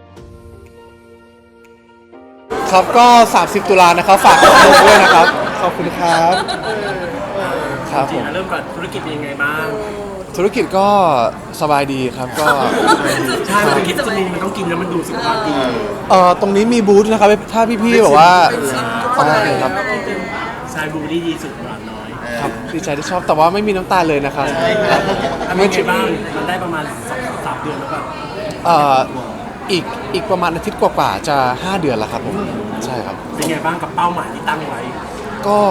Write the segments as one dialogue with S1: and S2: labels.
S1: ครับก็30 ตุลานะครับฝากทุกคนด้วยนะครับขอบคุณครับครับผม
S2: เริ่มก่อนธุรกิจเป็นยังไงบ้าง
S1: ธุรกิจก็สบายดีครับก็
S2: ใช่ธุรกิจจะมีมันต้องกินแล้วมันดูสุขภาพดี
S1: ตรงนี้มีบูธนะครับถ้าพี่ๆแบบว่าโอเคครับ
S2: ชายบูดี้ดีสุดหวานน้อย
S1: ครับดีใจที่ชอบแต่ว่าไม่มีน้ำตาลเลยนะครับ
S2: ทำยังไงบ้างมันได้ประมาณ2-3 เดือนแล้วก็
S1: อีกประมาณอาทิตย์กว่าๆจะ5 เดือนแล้วครับผมใช่ครับ
S2: เป็นไงบ้างกับเป้าหมายที่ตั้งไว้
S1: ก็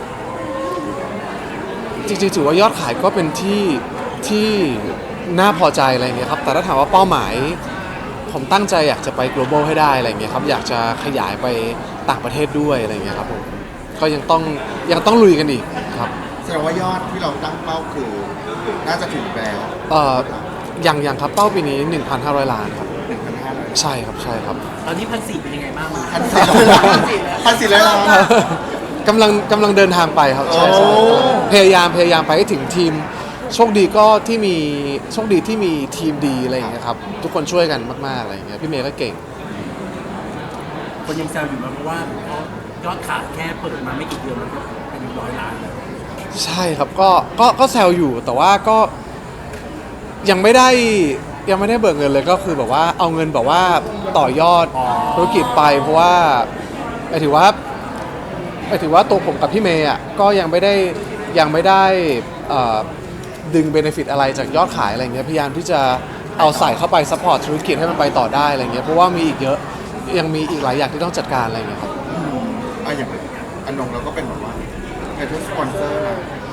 S1: จริงๆถือว่ายอดขายก็เป็นที่น่าพอใจอะไรเงี้ยครับแต่ถ้าถามว่าเป้าหมายผมตั้งใจอยากจะไป global ให้ได้อะไรเงี้ยครับอยากจะขยายไปต่างประเทศด้วยอะไรเงี้ยครับผมก็ยังต้องลุยกันอีกครับ
S3: แสดงว่ายอดที่เราตั้งเป้าคือน่าจะถึงแล้ว
S1: อย่างครับเป้าปีนี้ 1,500 ล้านครับ
S3: 1,500
S1: ใช่ครับใช่ครับ
S2: ตอนนี้1,400เป็นยังไงบ้าง
S3: 1,400 ล้าน
S1: กำลังเดินทางไปครับใช่
S3: โอ้
S1: พยายามไปให้ถึงทีมโชคดีที่มีทีมดีอะไรอย่างเงี้ยครับทุกคนช่วยกันมากๆอะไรอย่างเงี้ยพี่เมย์ก็เก่ง
S2: คนยังแซวอยู่เพราะว่ายอดขายแค่เปิดมาไม่กี่เดือนมันก็เป็น100 ล้านแล้ว
S1: ใช่ครับก็แซวอยู่แต่ว่าก็ยังไม่ได้เบิกเงินเลยก็คือแบบว่าเอาเงินแบบว่าต่อยอดธุรกิจไปเพราะว่าหมายถึงว่าตัวผมกับพี่เมย์อ่ะก็ยังไม่ได้ดึงเบเนฟิตอะไรจากยอดขายอะไรเงี้ยพยายามที่จะเอาใส่เข้าไปซัพพอร์ตธุรกิจให้มันไปต่อได้อะไรเงี้ยเพราะว่ามีอีกเยอะยังมีอีกหลายอย่างที่ต้องจัดการอะไรเงี้ยครับ
S3: อย่างอนงเราก็เป็นแบบว่าเป็นทุกสปอนเซอร์นะ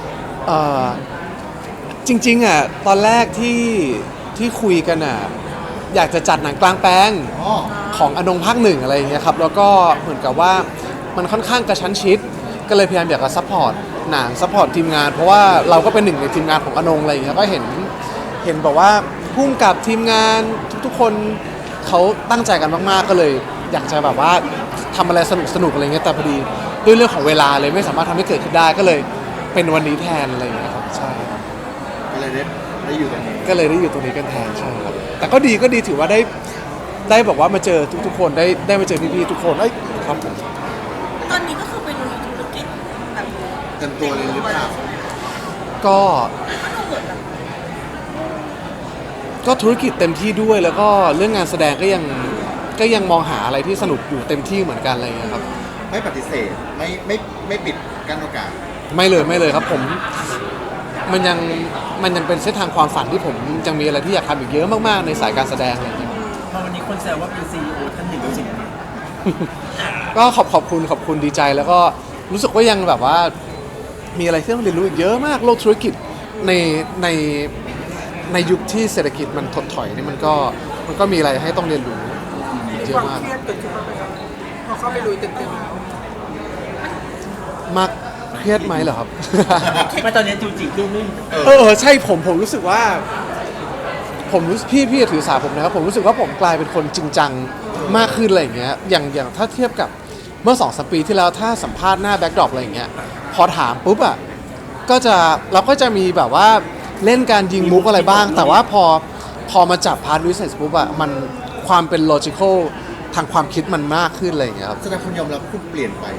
S1: จริงๆอ่ะตอนแรกที่คุยกันอ่ะอยากจะจัดหนังกลางแปลงของอนงภาค 1อะไรอย่างเงี้ยครับแล้วก็เหมือนกับว่ามันค่อนข้างกระชั้นชิดก็เลยพยายามอยากจะซัพพอร์ตหนังซัพพอร์ตทีมงานเพราะว่าเราก็เป็นหนึ่งในทีมงานของอนงอะไรอย่างเงี้ยก็เห็นแบบว่าพุ่งกับทีมงานทุกๆคนเขาตั้งใจกันมากๆก็เลยอยากจะแบบว่าทำอะไรสนุกอะไรเงี้ยแต่พอดีด้วยเรื่องของเวลาเลยไม่สามารถทำให้เกิดขึ้นได้ก็เลยเป็นวันนี้แทนอะไรอย่างเงี้ยครับใช่
S3: ก็เลยได้อยู่ตรงนี้
S1: กันแทนใช่ครับแต่ก็ดีถือว่าได้บอกว่ามาเจอทุกๆคนได้มาเจอพี่ๆทุกคนครับผม
S4: ตอนนี้ก็คือไปลุยธุรกิจแบบ
S3: เต็มตัวเลยหรือเปล่า
S1: ก็ธุรกิจเต็มที่ด้วยแล้วก็เรื่องงานแสดงก็ยังมองหาอะไรที่สนุกอยู่เต็มที่เหมือนกันอะไรอย่างเงี้ยครับ
S3: ไม่ปฏิเสธไม่ปิดกั้นโอกาส
S1: ไม่เลยครับผมมันยังเป็นเส้นทางความฝันที่ผมยังมีอะไรที่อยากทำอีกเยอะมากๆในสายการแสดงอะไรอย่างเงี้ย
S2: พอวันนี้คนแซวว่าเป็น CEO ท่านหนึ่งจริงไหม
S1: ก็ขอบคุณดีใจแล้วก็รู้สึกว่ายังแบบว่ามีอะไรที่ต้องเรียนรู้อีกเยอะมากโลกธุรกิจในยุคที่เศรษฐกิจมันถดถอยนี่มันก็มีอะไรให้ต้องเรียนรู้เยอะมาก
S4: เครียดเกิดขึ้นมาไหมครับพอเข้าไปลุยเต็มๆแล้ว
S1: มากเครียดไหมเหรอครับ
S2: ไม่ตอนนี้จูจิดูนุ่ม
S1: ใช่ผมรู้สึกว่าผมรู้พี่ถือสาผมนะครับผมรู้สึกว่าผมกลายเป็นคนจริงจังมากขึ้นอะไรอย่างเงี้ยอย่างถ้าเทียบกับเมื่อ2-3 ปีที่แล้วถ้าสัมภาษณ์หน้าแบ็คดรอปอะไรอย่างเงี้ยพอถามปุ๊บอ่ะเราก็จะมีแบบว่าเล่นการยิงมุกอะไรบ้างแต่ว่าพอมาจับพาร์ทวิสัยปุ๊บอ่ะมันความเป็น logical ทางความคิดมันมากขึ้นอะไรอย่างเงี้ยครับ
S3: แสดงคุณยอมรับคุณเปลี่ยนไป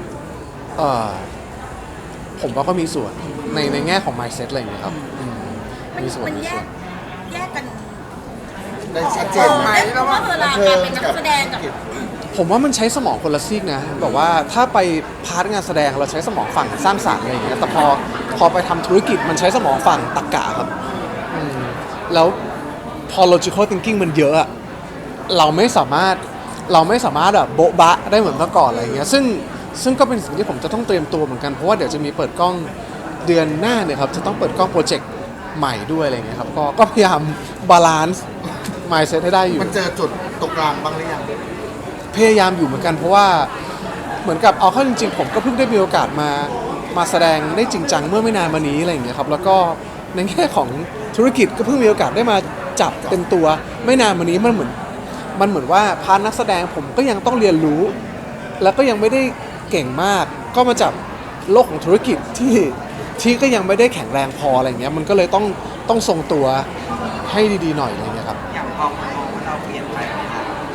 S1: ผมว่าก็มีส่วนในแง่ของ mindset อะไรอย่างเงี้ยครับมีส่วน
S4: มันแยกกัน
S3: ได้ชัดเจนไหม
S4: เพราะว่าเวลาการเป็นนักแสดงกับ
S1: ผมว่ามันใช้สมองคนละซีกนะแบบว่าถ้าไปพาร์ทงานแสดงเราใช้สมองฝั่งสร้างสรรค์อะไรอย่างเงี้ยแต่พอไปทำธุรกิจมันใช้สมองฝั่งตรรกะครับแล้วพอ logical thinking มันเยอะอะเราไม่สามารถแบบโบ๊ะบะได้เหมือนเมื่อก่อนอะไรอย่างเงี้ยซึ่งก็เป็นสิ่งที่ผมจะต้องเตรียมตัวเหมือนกันเพราะว่าเดี๋ยวจะมีเปิดกล้องเดือนหน้าเนี่ยครับจะต้องเปิดกล้องโปรเจกต์ใหม่ด้วยอะไรอย่างเงี้ยครับก็พยายามบาลานซ์ mindset ให้ได้อยู่
S3: มันเจอจุดตรงกลางบ้างหรือยัง
S1: พยายามอยู่เหมือนกันเพราะว่าเหมือนกับเอาเข้าจริงๆผมก็เพิ่งได้มีโอกาสมาแสดงได้จริงจังเมื่อไม่นานมานี้อะไรอย่างเงี้ยครับแล้วก็ในแง่ของธุรกิจก็เพิ่งมีโอกาสได้มาจับเต็มตัวไม่นานมานี้มันเหมือนว่าพาร์ทนักแสดงผมก็ยังต้องเรียนรู้แล้วก็ยังไม่ได้เก่งมากก็มาจับโลกของธุรกิจที่ก็ยังไม่ได้แข็งแรงพออะไรเงี้ยมันก็เลยต้องทรงตัวให้ดีๆหน่อยอะไรเงี้ยครับ
S5: อย่างพอเราเปลี่ยนไปโด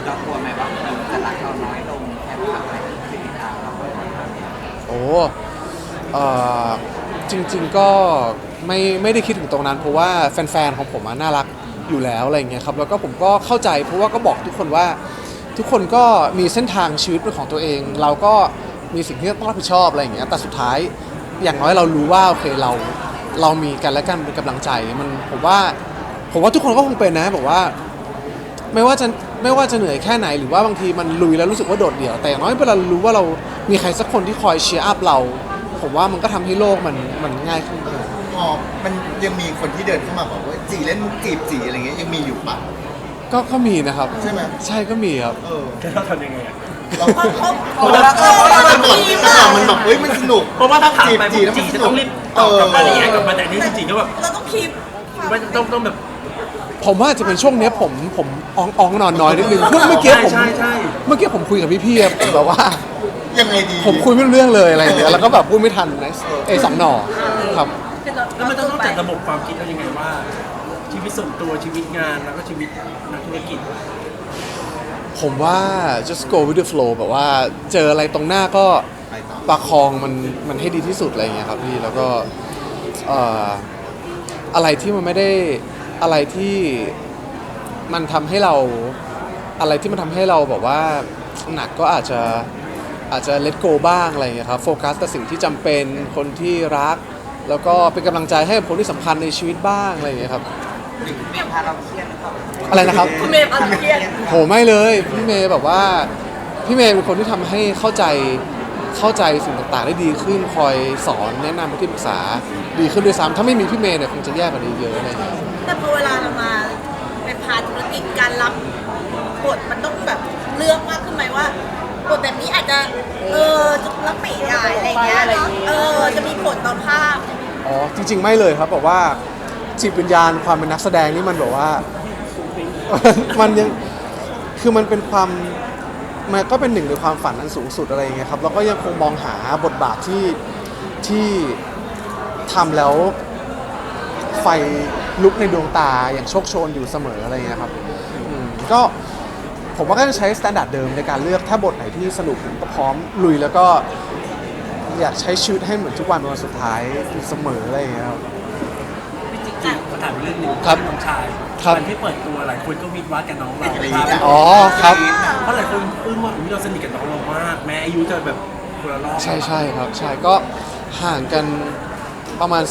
S5: เรากลัวไหมว่าคนจะรักเราน้อยลงแค่ทำอะไรที่ติดตามเรา
S1: โอ้เอ่อจริงๆก็ไม่ได้คิดถึงตรงนั้น เพราะว่าแฟนๆของผมน่ารักอยู่แล้วอะไรเงี้ยครับแล้วก็ผมก็เข้าใจเพราะว่าก็บอกทุกคนว่าทุกคนก็มีเส้นทางชีวิตเป็นของตัวเอง เราก็มีสิ่งที่ต้องรับผิดชอบอะไรอย่างเงี้ยแต่สุดท้ายอย่างน้อยเรารู้ว่าโอเคเรามีกันและกันเป็นกำลังใจมันผมว่าทุกคนก็คงเป็นนะบอกว่าไม่ว่าจะเหนื่อยแค่ไหนหรือว่าบางทีมันลุยแล้วรู้สึกว่าโดดเดี่ยวแต่อย่างน้อยเวลารู้ว่าเรามีใครสักคนที่คอยเชียร์อัพเราผมว่ามันก็ทำให้โลกมันง่ายขึ้น
S3: อ๋อมันยังมีคนที่เดินเข้ามาบอกว่าจีเล่นมุกจีบจีอะไรเงี้ยยังมีอยู่ปะ
S1: ก็มีนะครับ
S3: ใช่ไหม
S1: ใช่ก็มีครับ
S3: เออ
S2: จะเราทำยังไงอะ
S3: เรา
S4: เขา
S3: มันแบบเฮ้ยมันสนุก
S2: เพราะว่าถ้าถามไป
S3: จีบแล้ว
S2: จี
S3: มันส
S2: จะ
S3: นุ
S2: ต้
S3: ก
S2: องรีบตอบกลับมาอย่างเงี้ยกลับมาแต่นี่จริงๆก็แบบ
S4: เราต้องคีบ
S2: ไม่ต้องแบบ
S1: ผมว่าจะเป็นช่วงเนี้ยผมอ่องนอนน้อยนิดนึงเมื่อกี้ผม
S2: ใช่
S1: เมื่อกี้ผมคุยกับพี่ๆอะผมแบบว่า
S3: ยังไงดี
S1: ผมคุยไม่รู้เรื่องเลยอะไรอย่างเงี้ยแล้วก็แบบพูดไม่ทันนะสองหน่อครับ
S2: แล้วมันต้องจัดระบบความคิดเรายังไงว่า ชีวิตส่วนตัวชีวิตงานแล้วก็ชีวิตนักธุรกิจ
S1: ผมว่า just go with the flow แบบว่าเจออะไรตรงหน้าก็
S3: ไปต่อ
S1: ประคองมันให้ดีที่สุดอะไรอย่างเงี้ยครับพี่แล้วก็เอ่ออะไรที่มันไม่ได้อะไรที่มันทำให้เราแบบว่าหนักก็อาจจะ let go บ้างอะไรอย่างเงี้ยครับโฟกัสแต่สิ่งที่จำเป็นคนที่รัก แล้วก็เป็นกำลังใจให้กับคนที่สำคัญในชีวิตบ้างอะไรอย่างเงี้ยครับ
S5: พาเราเครียดหรือเปล่า
S1: อะไรนะครับ
S4: คุณเมย์อะไรเครียด
S1: โหไม่เลยพี่เมย์แบบว่าพี่เมย์เป็นคนที่ทำให้เข้าใจสิ่งต่างๆได้ดีขึ้นคอยสอนแนะนำที่ปรึกษาดีขึ้นด้วยซ้ำถ้าไม่มีพี่เมย์เนี่ยคงจะแย่กว่านี้เยอะอะไรอย่างเงี้ย
S4: แต่พอเวลาเรามาเป็นพาร์ทธุรกิจการรับบทมันต้องแบบเลือกมากขึ้นไหมว่าบทแบบนี้อาจจะจะรับไม่ได้อะไรเงี้ยจะมีผลต่อภาพ
S1: อ๋อจริงๆไม่เลยครับแบบว่าจิตวิญญาณความเป็นนักแสดงนี่มันแบบว่า มันยังคือมันเป็นความมันก็เป็นหนึ่งในความฝันอันสูงสุดอะไรอย่างเงี้ยครับแล้วก็ยังคงมองหาบทบาทที่ทำแล้วไฟลุกในดวงตาอย่างโชคโชนอยู่เสมออะไรเงี้ยครับก็ผมว่าก็จะใช้สแตนดาร์ดเดิมในการเลือกถ้าบทไหนที่สนุกผมก็พร้อมลุยแล้วก็อยากใช้ชีวิตให้เหมือนทุกวันเป็นวันสุดท้ายอยู่เสมออะไรอย่างเงี้ยครับ
S2: พี่จิ๊กจิ๊กมาถามเรื่องหนึ่ง
S1: ครับ
S2: น้องชาย
S1: ครับ
S2: วันที่เปิดตัวหลายคนก็วิดวัดกับน้องเรา
S3: กรี๊ด
S2: ครับ
S3: อะ
S1: อ๋อครับ
S2: เพราะหลายคนอึ้งว่าอุ๊ยเราสนิทกับน้องเรามากแม้อายุจะแบบคนละรอบ
S1: ใช่ครับใช่ก็ห่างกันประมาณ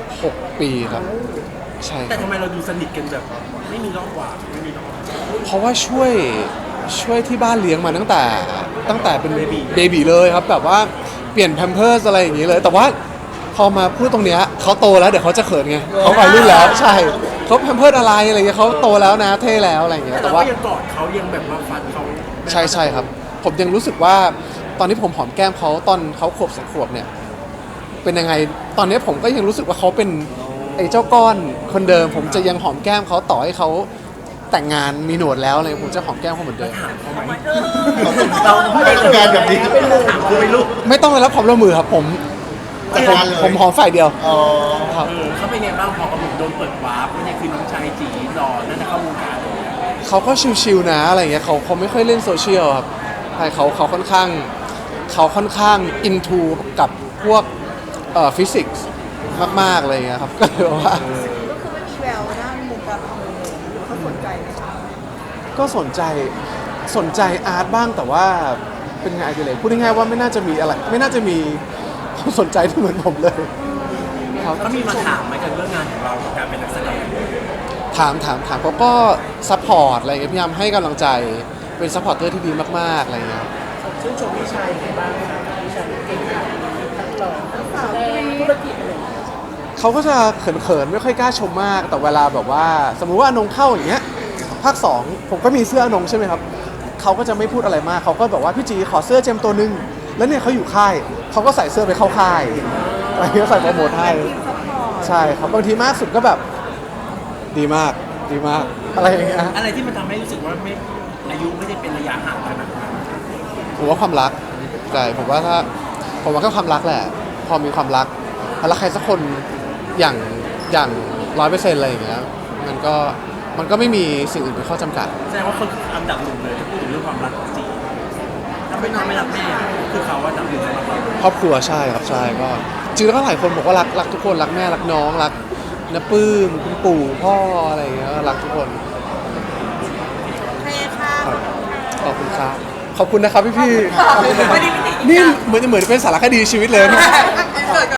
S1: 16 ปีครับใช่ค
S2: แต่
S1: รับ
S2: ทำไมเราดูสนิทกันแบบไม่มีรอบกว่าไม่มีรอบ
S1: เพราะว่าช่วยที่บ้านเลี้ยงมาตั้งแต่เป็นเบบีเลยครับแบบว่าเปลี่ยนแพมเพิร์สอะไรอย่างนี้เลย แต่ว่าพอมาพูดตรงเนี้ยเขาโตแล้วเดี๋ยวเขาจะเขินไงเขาวัยรุ่นแล้วใช่เขาแพมเพิร์สอะไรเงี้ยเขาโตแล้วนะเท่แล้วอะไรอย่างเงี้ย
S2: แต่
S1: แต่
S2: เรา
S1: ว่า
S2: ก็ยังกอดเขายังแบบมาฝันเขา
S1: ใช่ครับ ผมยังรู้สึกว่าตอนที่ผมหอมแก้มเขาตอนเขาขวบ2 ขวบเนี่ยเป็นยังไงตอนนี้ผมก็ยังรู้สึกว่าเขาเป็นไอ้เจ้าก้อนคนเดิม ผมจะยังหอมแก้มเขาต่อให้เขาแต่งงานมีหนวดแล้วอะไรผมจะหอมแก้มเขาเหมือนเดิม
S2: ถามเขาไหม
S3: เราไม่ทำงานแบบนี้
S2: ถามเขาไม่รู้
S1: ไม่ต้องไปรับความร่วมมือครับผม
S3: จัด
S1: ผม
S3: การเลย
S1: ผมหอมฝ่ายเดียว
S3: อ๋อ
S1: ครับ
S2: เขาเป็นไงบ้างพอกำลังโดนเปิดวาร์ปว่าเนี่ยคือน้องชายจีหล่อนั่นจะเข้าวงการเลย
S1: เขาก็ชิวๆนะอะไรเงี้ยเขาไม่ค่อยเล่นโซเชียลครับใช่เขาค่อนข้างอินทูกับพวกฟิสิกส์มากๆอะไรเงี้ยครับก็เลยว่า
S4: ก็คือไม่มีแววด้านมุมการทำเลยเขาสนใจไหมคะ
S1: ก็สนใจอาร์ตบ้างแต่ว่าเป็นงานอดิเรกพูดง่ายๆว่าไม่น่าจะมีอะไรไม่น่าจะมีความสนใจที่เหมือนผมเลยครับ
S2: เขามีมาถามไหมกันเรื่องงานของเรากับการเป็นนักแสดง
S1: ถามเขาก็ซัพพอร์ตอะไรเงี้ยพยายามให้กำลังใจเป็นซัพพอร์ตเตอร์ที่ดีมากๆอะไรเงี้ยครับ
S2: ชื่นชมพี่ชายบ้างครับพี่ชายเก่งทั้งหล่อทั้งแสดงธุรกิจอะไรอย่างเงี้ย
S1: เขาก็จะเขินๆไม่ค่อยกล้าชมมาก แต่เวลาแบบว่าสมมุติว่าอนงเข้าอย่างเงี้ยภาค 2ผมก็มีเสื้ออนงใช่ไหมครับเขาก็จะไม่พูดอะไรมากเขาก็แบบว่าพี่จีขอเสื้อเจมส์ตัวนึงแล้วเนี่ยเขาอยู่ค่ายเขาก็ใส่เสื้อไปเข้าค่ายอะไรเงี้ยใส่โปรโมทให้ใช่ครับบางทีมากสุดก็แบบดีมากอะไรอย่างเงี้ย
S2: อะไรที่มันทำให้รู้สึกว่าไม่อายุไม่ได้เป็นระยะห่างขนาดนั้น
S1: ผมว่าความรักใช่ผมว่าก็ความรักแหละ พอมีความรักแล้วใครสักคนอย่าง100%อะไรอย่างเงี้ยมันก็มันก็ไม่มีสิ่งอื่นเป็นข้อจำกัด
S2: แสดงว่าคนอันดับหนึ่งเลยถ้าพูดถึงเรื่องความรักของจีถ้าไม่รักแม่คือเขาอันดับหนึ่งสำหรับเรา
S1: ครอบครัวใช่ครับใช่ก็จริงแล้วก็หลายคนบอกว่ารักทุกคนรักแม่รักน้องรักน้าปื้มคุณปู่พ่ออะไรอย่างเงี้ยก็รักทุกคน
S4: โอเคค่ะ
S1: ครับขอบคุณครับขอบคุณนะครับพี่ๆนี่เหมือนจะเป็นสารคดีชีวิตเลยนะ